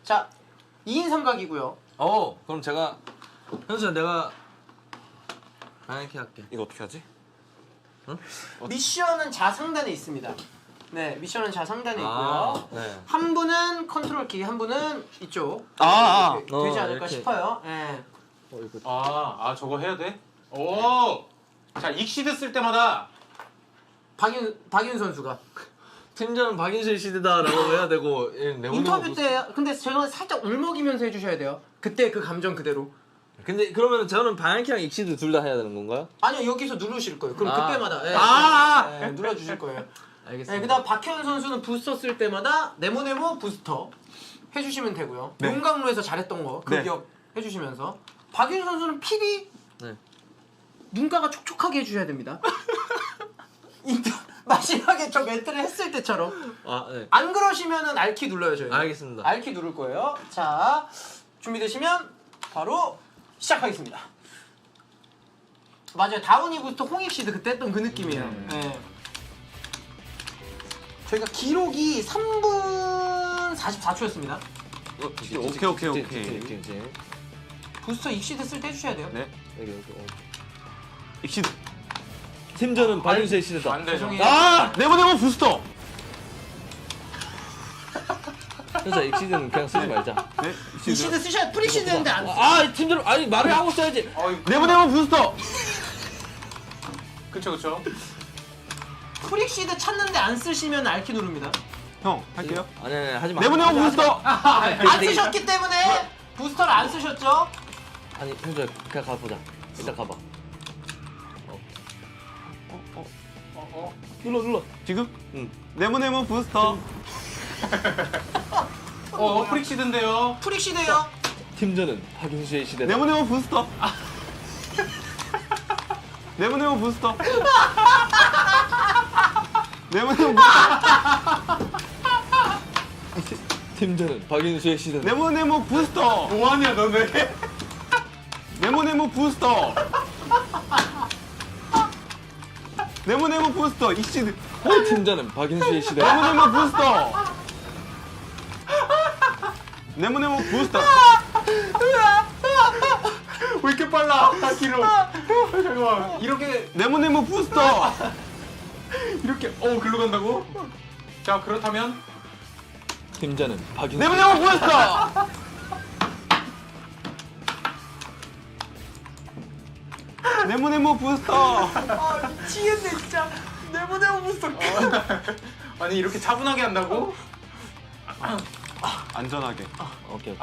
자, 2인 삼각이고요. 그럼 제가 현수야 내가 이렇게 할게. 이거 어떻게 하지? 응? 미션은 좌상단에 있습니다. 네, 미션은 좌상단에 있고요. 네. 한 분은 컨트롤 키, 한 분은 이쪽. 되지 않을까 이렇게. 싶어요. 네. 아 저거 해야 돼? 오! 자, 익시드 쓸 때마다 박윤 선수가 팀전은 박인수의 시대다라고 해야 되고 인터뷰 때 근데 제가 살짝 울먹이면서 해주셔야 돼요. 그때 그 감정 그대로. 근데 그러면 저는 방향키랑 익시드 둘 다 해야 되는 건가요? 아니요, 여기서 누르실 거예요. 그럼 아. 그때마다 눌러주실 거예요. 알겠습니다. 네, 그다음 박현 선수는 부스터 쓸 때마다 네모네모 부스터 해주시면 되고요. 네. 용광로에서 잘했던 거 그 네. 기억 해주시면서 박윤 선수는 PD 네. 눈가가 촉촉하게 해주셔야 됩니다. 마지막에 저 멘트를 했을 때처럼 네. 안 그러시면은 알키 눌러요 저희. 알겠습니다. 알키 누를 거예요. 자, 준비되시면 바로 시작하겠습니다. 맞아요, 다운이 부스터 홍익시드 그때 했던 그 느낌이에요. 네. 저희가 기록이 3분 44초였습니다. 오케이. 부스터 익시드 쓸 때 해주셔야 돼요. 네. 여기. 익시드. 팀전은 박인수의 시대다. 안 되죠. 죄송해요. 네모네모 부스터. 현수야 익시드는 그냥 쓰지 말자. 네. 익시드 쓰셔야 프리시드 했는데 안 쓰. 팀전 말을 하고 써야지. 네모네모 부스터. 그쵸. 프리시드 찾는데 안 쓰시면 알키 누릅니다. 형 할게요. 아니 하지 마. 네모네모 부스터. 안 쓰셨기 때문에 부스터를 안 쓰셨죠? 아니 현수야 그냥 가보자. 일단 가봐. 눌러. 지금? 응. 네모네모 부스터. 프릭시드인데요. 프리시드요. 팀전은 박인수의 시대다. 네모네모 부스터. 네모네모 부스터. 네모네모 팀전은 박인수의 시대다. 네모네모 부스터. 뭐하냐 너네? 네모네모 부스터. 네모네모 부스터. 익시드. 팀전은 박인수의 시대다. 네모네모 부스터. 네모네모 부스터. 왜 이렇게 빨라? 기록. 잠깐만. 이렇게 네모네모 부스터. 글로 간다고? 자, 그렇다면 팀전은 박인수. 네모네모 부스터. 네모네모 부스터. 아, 미치겠네 진짜. 네모네모 부스터. 아니 이렇게 차분하게 한다고? 안전하게. 오케이.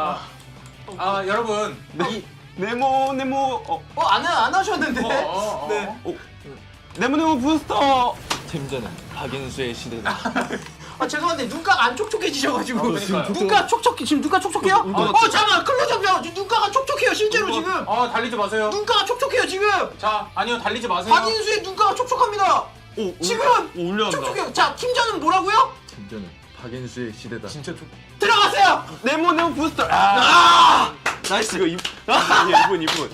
여러분. 네모네모. 안 하셨는데. 네. 네모네모 부스터. 팀전은 박인수의 시대다. 죄송한데 눈가가 안 촉촉해지셔가지고. 그러니까요. 눈가 촉촉해. 지금 눈가 촉촉해요? 잠깐만 클로즈업. 지금 눈가가 촉촉해요 실제로 지금. 달리지 마세요. 눈가가 촉촉해요 지금. 자, 아니요, 달리지 마세요. 박인수의 눈가가 촉촉합니다. 지금 올려간다. 촉촉해요. 자, 팀전은 뭐라고요? 팀전은 박인수의 시대다. 진짜 들어가세요. 네모네모 부스터. 나이스. 이거 2분.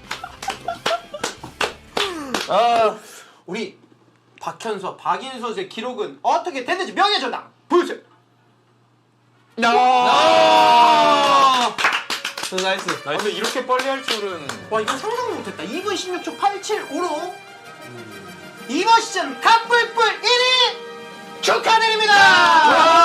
우리 박현수, 박인수 선수의 기록은 어떻게 됐는지 명예전당 보여주세요. 나이스. 근데 이렇게 빨리 할 줄은. 와, 이건 상상도 못했다. 2분 16초 875로 이번 시즌 갑불뿔 1위 축하드립니다.